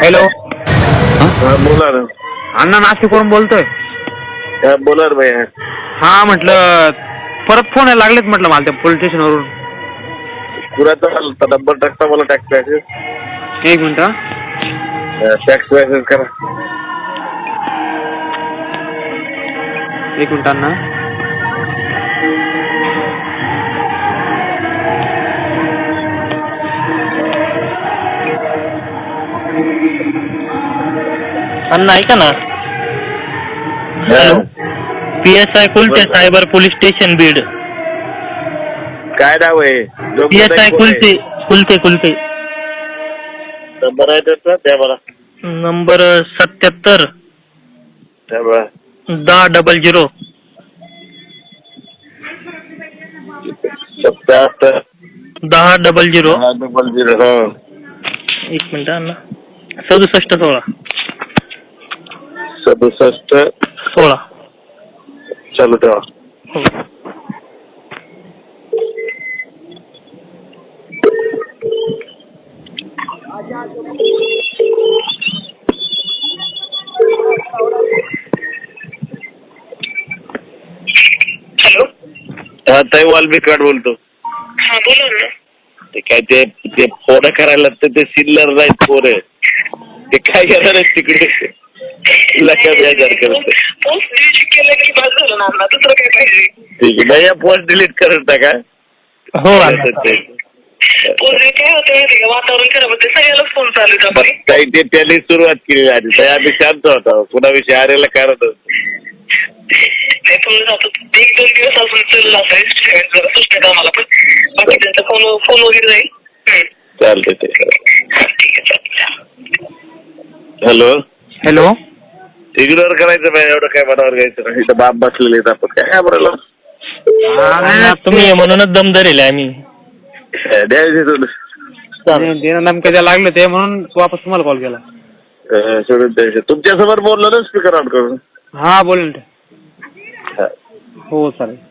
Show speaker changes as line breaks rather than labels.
Hello.
हा बोला ना.
अण्णा नाशिकवरून बोलतोय.
हा बोला ना भैया.
हा म्हटलं परत फोन यायला लागलेत म्हटलं मला त्या पोलीस स्टेशनवरून.
कुणाचा नंबर टाकता मला टॅक्स मॅसेज.
एक मिनिट.
टॅक्स मॅसेज करा.
एक मिनिट अण्णा.
अण्णा ऐका ना. Hello. PSI Kulte cyber police station Beed.
काय नाव आहे?
PSI कुलते कुलते कुलते.
नंबर आहे त्याचा द्या मला.
नंबर 77
द्या मला.
1000.
77
1000.
हा.
एक मिनिट अण्णा. 6716.
6716. चालू ठेवा.
हो.
हॅलो.
हा ताई वाल्मिकाड बोलतो.
हा बोला ना.
ते काय ते फोन करायला ते सिल्लर नाही फोन आहे ते काय करणार आहे तिकडे लक्षात यायचं करते.
पोस्ट डिलीट केलं की बाद झालं ना अण्णा. दुसरं काय पाहिजे?
ठीक आहे नाही पोस्ट डिलीट करत टाका.
हो
पोस्ट काय होतं माहिती का, वातावरण खराब होते सगळ्यालाच फोन चालू आहे आपले.
काही ते त्यांनी सुरुवात केली आधी ताई आम्ही शांत होतो कुणाविषयी आरेला करत
ते थोडं जातो 1-2 दिवस अजून चाललं असायचं जरा सुचत आम्हाला पण बाकी त्यांचा फोन वगैरे जाईल.
चालतंय ते.
ठीक आहे चालेल.
हॅलो.
हॅलो.
इग्नोर करायचं नाही एवढं काय मनावर घ्यायचं नाही. इथं बाप बसलेले आहेत आपण काय बोलायला.
तुम्ही म्हणूनच दम धरेल आम्ही.
द्यायचे सोडून
नेमकं द्या लागलं ते म्हणून वापस तुम्हाला कॉल केला.
सोडून द्यायचे. तुमच्यासमोर बोललो ना स्पीकर ऑन करून.
हा बोल ना. हो चालेल.